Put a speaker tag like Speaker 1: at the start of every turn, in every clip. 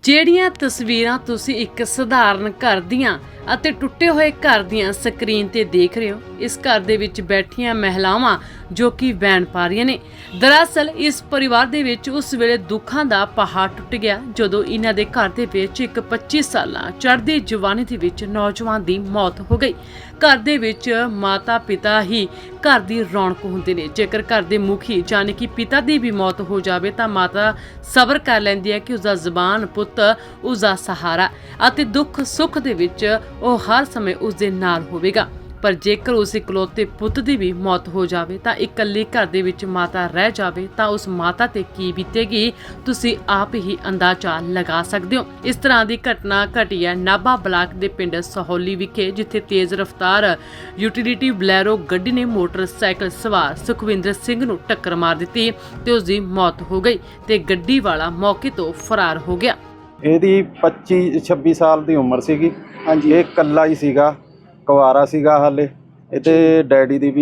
Speaker 1: ਜਿਹੜੀਆਂ ਤਸਵੀਰਾਂ ਤੁਸੀਂ ਇੱਕ ਸਧਾਰਨ ਘਰ ਦੀਆਂ ਅਤੇ ਟੁੱਟੇ ਹੋਏ ਘਰ ਦੀਆਂ ਸਕਰੀਨ ਤੇ ਦੇਖ ਰਹੇ ਹੋ, ਇਸ ਘਰ ਦੇ ਵਿੱਚ ਬੈਠੀਆਂ ਮਹਿਲਾਵਾਂ ਜੋ ਕਿ ਵੈਣ ਪਾ ਰਹੀਆਂ ਨੇ। ਦਰਅਸਲ ਇਸ ਪਰਿਵਾਰ ਦੇ ਵਿੱਚ ਉਸ ਵੇਲੇ ਦੁੱਖਾਂ ਦਾ ਪਹਾੜ ਟੁੱਟ ਗਿਆ ਜਦੋਂ ਇਹਨਾਂ ਦੇ ਘਰ ਦੇ ਵਿੱਚ ਇੱਕ 25 ਸਾਲਾਂ ਚੜ੍ਹਦੀ ਜਵਾਨੀ ਦੇ ਵਿੱਚ ਨੌਜਵਾਨ ਦੀ ਮੌਤ ਹੋ ਗਈ। ਘਰ ਦੇ ਵਿੱਚ ਮਾਤਾ ਪਿਤਾ ਹੀ ਘਰ ਦੀ ਰੌਣਕ ਹੁੰਦੇ ਨੇ। ਜੇਕਰ ਘਰ ਦੇ ਮੁਖੀ ਯਾਨੀ ਕਿ ਪਿਤਾ ਦੀ ਵੀ ਮੌਤ ਹੋ ਜਾਵੇ ਤਾਂ ਮਾਤਾ ਸਬਰ ਕਰ ਲੈਂਦੀ ਹੈ ਕਿ ਉਸਦਾ ਜ਼ਬਾਨ ਪੁੱਤ ਉਸਦਾ ਸਹਾਰਾ ਅਤੇ ਦੁੱਖ ਸੁੱਖ ਦੇ ਵਿੱਚ ਉਹ ਹਰ ਸਮੇਂ ਉਸ ਦੇ ਨਾਲ ਹੋਵੇਗਾ। ਪਰ ਜੇਕਰ ਉਸ ਇਕਲੌਤੇ ਪੁੱਤ ਦੀ ਵੀ ਮੌਤ ਹੋ ਜਾਵੇ ਤਾਂ ਇਕੱਲੀ ਘਰ ਦੇ ਵਿੱਚ ਮਾਤਾ ਰਹਿ ਜਾਵੇ ਤਾਂ ਉਸ ਮਾਤਾ ਤੇ ਕੀ ਬੀਤੇਗੀ ਤੁਸੀਂ ਆਪ ਹੀ ਅੰਦਾਜ਼ਾ ਲਗਾ ਸਕਦੇ ਹੋ। ਇਸ ਤਰ੍ਹਾਂ ਦੀ ਘਟਨਾ ਘਟੀ ਹੈ ਨਾਭਾ ਬਲਾਕ ਦੇ ਪਿੰਡ ਸਹੌਲੀ ਵਿਖੇ, ਜਿੱਥੇ ਤੇਜ਼ ਰਫ਼ਤਾਰ ਯੂਟਿਲਿਟੀ ਬਲੈਰੋ ਗੱਡੀ ਨੇ ਮੋਟਰਸਾਈਕਲ ਸਵਾਰ ਸੁਖਵਿੰਦਰ ਸਿੰਘ ਨੂੰ ਟੱਕਰ ਮਾਰ ਦਿੱਤੀ ਤੇ ਉਸ ਦੀ ਮੌਤ ਹੋ ਗਈ ਤੇ ਗੱਡੀ ਵਾਲਾ ਮੌਕੇ ਤੋਂ ਫਰਾਰ ਹੋ ਗਿਆ।
Speaker 2: ਇਹਦੀ 25-26 ਸਾਲ ਦੀ ਉਮਰ ਸੀਗੀ। ਹਾਂਜੀ, ਇਹ ਇਕੱਲਾ ਹੀ ਸੀਗਾ, ਕੁਆਰਾ ਸੀਗਾ ਹਾਲੇ। ਇਹਦੇ ਡੈਡੀ ਦੀ ਵੀ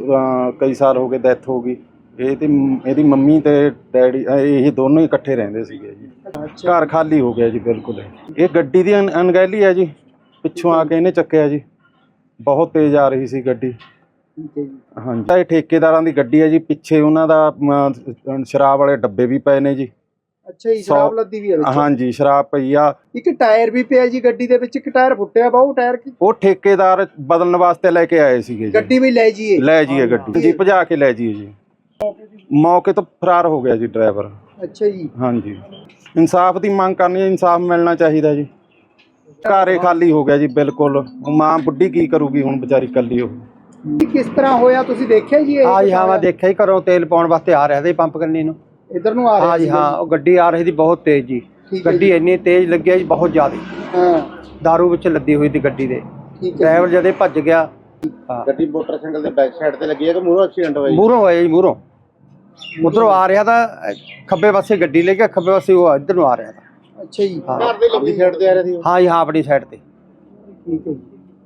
Speaker 2: ਕਈ ਸਾਲ ਹੋ ਗਏ ਡੈਥ ਹੋ ਗਈ। ਇਹਦੀ ਮੰਮੀ ਤੇ ਡੈਡੀ ਇਹ ਦੋਨੋਂ ਹੀ ਇਕੱਠੇ ਰਹਿੰਦੇ ਸੀਗੇ ਜੀ। ਘਰ ਖਾਲੀ ਹੋ ਗਿਆ ਜੀ ਬਿਲਕੁਲ। ਇਹ ਗੱਡੀ ਦੀ ਅਣਗਹਿਲੀ ਹੈ ਜੀ, ਪਿੱਛੋਂ ਆ ਕੇ ਇਹਨੇ ਚੱਕਿਆ ਜੀ। ਬਹੁਤ ਤੇਜ਼ ਆ ਰਹੀ ਸੀ ਗੱਡੀ। ਹਾਂਜੀ, ਇਹ ਠੇਕੇਦਾਰਾਂ ਦੀ ਗੱਡੀ ਹੈ ਜੀ। ਪਿੱਛੇ ਉਹਨਾਂ ਦਾ ਸ਼ਰਾਬ ਵਾਲੇ ਡੱਬੇ ਵੀ ਪਏ ਨੇ ਜੀ।
Speaker 3: ਅੱਛਾ ਜੀ, ਸ਼ਰਾਬ ਲੱਦੀ ਵੀ ਹੈ ਵਿੱਚ।
Speaker 2: ਹਾਂਜੀ, ਸ਼ਰਾਬ ਪਈ ਆ। ਇੱਕ
Speaker 3: ਟਾਇਰ ਵੀ ਪਿਆ ਜੀ ਗੱਡੀ ਦੇ ਵਿੱਚ। ਇੱਕ ਟਾਇਰ ਫੁੱਟਿਆ ਵਾ, ਉਹ ਟਾਇਰ ਕੀ
Speaker 2: ਉਹ ਠੇਕੇਦਾਰ ਬਦਲਣ ਵਾਸਤੇ ਲੈ ਕੇ ਆਏ ਸੀਗੇ ਜੀ।
Speaker 3: ਗੱਡੀ ਵੀ ਲੈ ਜਾਈਏ
Speaker 2: ਗੱਡੀ ਜੀ, ਭਜਾ ਕੇ ਲੈ ਜਾਈਏ ਜੀ। ਮੌਕੇ ਤੋਂ ਫਰਾਰ ਹੋ ਗਿਆ ਜੀ ਡਰਾਈਵਰ।
Speaker 3: ਅੱਛਾ ਜੀ।
Speaker 2: ਹਾਂਜੀ, ਇਨਸਾਫ ਦੀ ਮੰਗ ਕਰਨੀ ਹੈ, ਇਨਸਾਫ ਮਿਲਣਾ ਚਾਹੀਦਾ ਜੀ। ਘਰੇ ਖਾਲੀ ਹੋ ਗਿਆ ਜੀ ਬਿਲਕੁਲ। ਮਾਂ ਬੁੱਢੀ ਕੀ ਕਰੂਗੀ ਹੁਣ, ਵਿਚਾਰੀ ਇਕੱਲੀ। ਉਹ
Speaker 3: ਕਿਸ ਤਰ੍ਹਾਂ ਹੋਇਆ ਤੁਸੀਂ ਦੇਖਿਆ ਜੀ?
Speaker 4: ਹਾਂ ਜੀ, ਹਾਂ ਮੈਂ ਦੇਖਿਆ ਹੀ। ਘਰੋਂ ਤੇਲ ਪਾਉਣ ਵਾਸਤੇ ਆ ਰਿਹਾ ਸੀ ਪੰਪ ਕਰਨੀ ਨੂੰ।
Speaker 3: ਇਧਰ ਨੂੰ ਆ ਰਿਹਾ?
Speaker 4: ਹਾਂ ਜੀ ਹਾਂ, ਉਹ ਗੱਡੀ ਆ ਰਹੀ ਸੀ ਬਹੁਤ ਤੇਜ਼ ਜੀ। ਗੱਡੀ ਇੰਨੀ ਤੇਜ਼ ਲੱਗਿਆ ਜੀ, ਬਹੁਤ ਜ਼ਿਆਦਾ।
Speaker 3: ਹਾਂ,
Speaker 4: ਦਾਰੂ ਵਿੱਚ ਲੱਦੀ ਹੋਈ ਸੀ ਗੱਡੀ ਦੇ। ਡਰਾਈਵਰ ਜਦੇ ਭੱਜ ਗਿਆ।
Speaker 2: ਗੱਡੀ ਮੋਟਰਸਾਈਕਲ ਦੇ ਬੈਕ ਸਾਈਡ ਤੇ ਲੱਗੀ ਹੈ ਕਿ ਮੂਹਰੋਂ ਐਕਸੀਡੈਂਟ ਹੋਇਆ?
Speaker 4: ਮੂਹਰੋਂ ਹੋਇਆ ਜੀ, ਮੂਹਰੋਂ। ਉਧਰੋਂ ਆ ਰਿਹਾ ਤਾਂ ਖੱਬੇ ਪਾਸੇ ਗੱਡੀ ਲੈ ਕੇ, ਖੱਬੇ ਪਾਸੇ ਉਹ ਇੱਧਰ ਨੂੰ ਆ ਰਿਹਾ ਤਾਂ।
Speaker 3: ਅੱਛਾ ਜੀ,
Speaker 2: ਘਰ ਦੇ ਆਪਣੀ ਸਾਈਡ ਤੇ ਆ ਰਿਹਾ ਸੀ?
Speaker 4: ਹਾਂ ਜੀ ਹਾਂ, ਆਪਣੀ ਸਾਈਡ ਤੇ।
Speaker 3: ਠੀਕ ਹੈ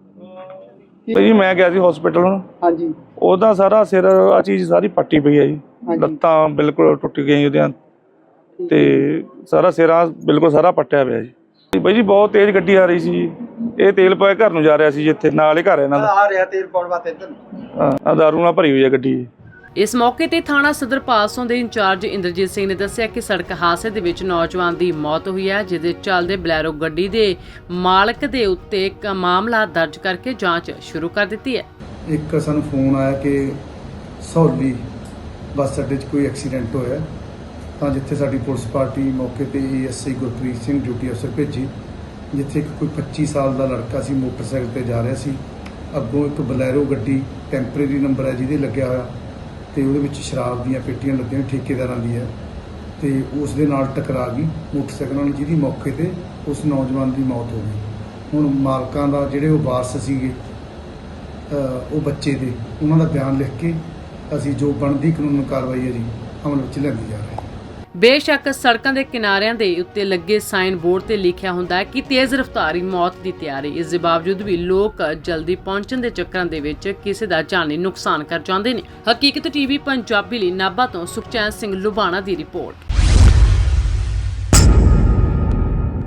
Speaker 3: ਜੀ।
Speaker 5: ਭਾਈ ਮੈਂ ਗਿਆ ਸੀ ਹਸਪੀਟਲ ਹੁਣ।
Speaker 3: ਹਾਂਜੀ,
Speaker 5: ਉਹਦਾ ਸਾਰਾ ਸਿਰ ਆ ਚੀਜ਼ ਸਾਰੀ ਪੱਟੀ ਪਈ ਹੈ ਜੀ। ਲੱਤਾਂ ਬਿਲਕੁਲ ਟੁੱਟ ਗਈਆਂ ਉਹਦੀਆਂ ਤੇ ਸਾਰਾ ਸਿਰ ਆ ਬਿਲਕੁਲ ਸਾਰਾ ਪੱਟਿਆ ਪਿਆ ਜੀ। ਬਾਈ ਜੀ ਬਹੁਤ ਤੇਜ਼ ਗੱਡੀ ਆ ਰਹੀ ਸੀ। ਇਹ ਤੇਲ ਪਾਏ ਘਰ ਨੂੰ ਜਾ ਰਿਹਾ ਸੀ, ਜਿੱਥੇ ਨਾਲ ਹੀ ਘਰ ਇਹਨਾਂ ਦਾ
Speaker 4: ਆ ਰਿਹਾ ਤੇਲ ਪਾਉਣ ਵਾਸਤੇ ਇੱਧਰ।
Speaker 5: ਹਾਂ, ਦਾਰੂ ਨਾਲ ਭਰੀ ਹੋਈ ਹੈ ਗੱਡੀ।
Speaker 1: ਇਸ ਮੌਕੇ ਤੇ ਥਾਣਾ ਸਦਰ ਪਾਸੋਂ ਦੇ ਇੰਚਾਰਜ ਇੰਦਰਜੀਤ ਸਿੰਘ ਨੇ ਦੱਸਿਆ ਕਿ ਸੜਕ ਹਾਦਸੇ ਦੇ ਵਿੱਚ ਨੌਜਵਾਨ ਦੀ ਮੌਤ ਹੋਈ ਹੈ, ਜਿਹਦੇ ਚੱਲਦੇ ਬਲੈਰੋ ਗੱਡੀ ਦੇ ਮਾਲਕ ਦੇ ਉੱਤੇ ਇੱਕ ਮਾਮਲਾ ਦਰਜ ਕਰਕੇ ਜਾਂਚ ਸ਼ੁਰੂ ਕਰ ਦਿੱਤੀ ਹੈ।
Speaker 6: ਇੱਕ ਸਾਨੂੰ ਫੋਨ ਆਇਆ ਕਿ ਸਹੌਲੀ ਬੱਸ ਅੱਡੇ 'ਚ ਕੋਈ ਐਕਸੀਡੈਂਟ ਹੋਇਆ, ਤਾਂ ਜਿੱਥੇ ਸਾਡੀ ਪੁਲਿਸ ਪਾਰਟੀ ਮੌਕੇ ਤੇ ASI ਗੁਰਪ੍ਰੀਤ ਸਿੰਘ ਡਿਊਟੀ ਅਫਸਰ ਭੇਜੀ, ਜਿੱਥੇ ਕੋਈ 25 ਸਾਲ ਦਾ ਲੜਕਾ ਸੀ, ਮੋਟਰਸਾਈਕਲ ਤੇ ਜਾ ਰਿਹਾ ਸੀ। ਅੱਗੋਂ ਇੱਕ ਬਲੈਰੋ ਗੱਡੀ ਟੈਂਪਰੇਰੀ ਨੰਬਰ ਹੈ ਜਿਹਦੇ ਲੱਗਿਆ ਹੋਇਆ, ਤੇ ਉਹਦੇ ਵਿੱਚ ਸ਼ਰਾਬ ਦੀਆਂ ਪੇਟੀਆਂ ਲੱਗੀਆਂ, ਠੇਕੇਦਾਰਾਂ ਦੀ ਹੈ, ਤੇ ਉਸ ਦੇ ਨਾਲ ਟਕਰਾ ਗਈ ਮੋਟਰਸਾਈਕਲ ਨਾਲ, ਜਿਹਦੀ ਮੌਕੇ ਤੇ ਉਸ ਨੌਜਵਾਨ ਦੀ ਮੌਤ ਹੋ ਗਈ। ਹੁਣ ਮਾਲਕਾਂ ਦਾ ਜਿਹੜੇ ਉਹ ਵਾਰਸ ਸੀਗੇ ਉਹ ਬੱਚੇ ਦੇ, ਉਹਨਾਂ ਦਾ ਬਿਆਨ ਲਿਖ ਕੇ ਅਸੀਂ ਜੋ ਬਣਦੀ ਕਾਨੂੰਨ ਕਾਰਵਾਈ ਹੈ ਜੀ ਅਮਲ ਵਿੱਚ ਲਿਆਂਦੀ ਜਾ ਰਹੀ ਹੈ।
Speaker 1: ਬੇਸ਼ੱਕ ਸੜਕਾਂ ਦੇ ਕਿਨਾਰਿਆਂ ਦੇ ਉੱਤੇ ਲੱਗੇ ਸਾਈਨ ਬੋਰਡ ਤੇ ਲਿਖਿਆ ਹੁੰਦਾ ਹੈ ਕਿ ਤੇਜ਼ ਰਫ਼ਤਾਰੀ ਮੌਤ ਦੀ ਤਿਆਰੀ। ਇਸ ਦੇ ਬਾਵਜੂਦ ਵੀ ਲੋਕ ਜਲਦੀ ਪਹੁੰਚਣ ਦੇ ਚੱਕਰਾਂ ਦੇ ਵਿੱਚ ਕਿਸੇ ਦਾ ਜਾਨੀ ਨੁਕਸਾਨ ਕਰ ਜਾਂਦੇ ਨੇ। ਹਕੀਕਤ TV ਪੰਜਾਬੀ ਲਈ ਨਾਭਾ ਤੋਂ ਸੁਖਚੈਨ ਸਿੰਘ ਲੁਬਾਣਾ ਦੀ ਰਿਪੋਰਟ।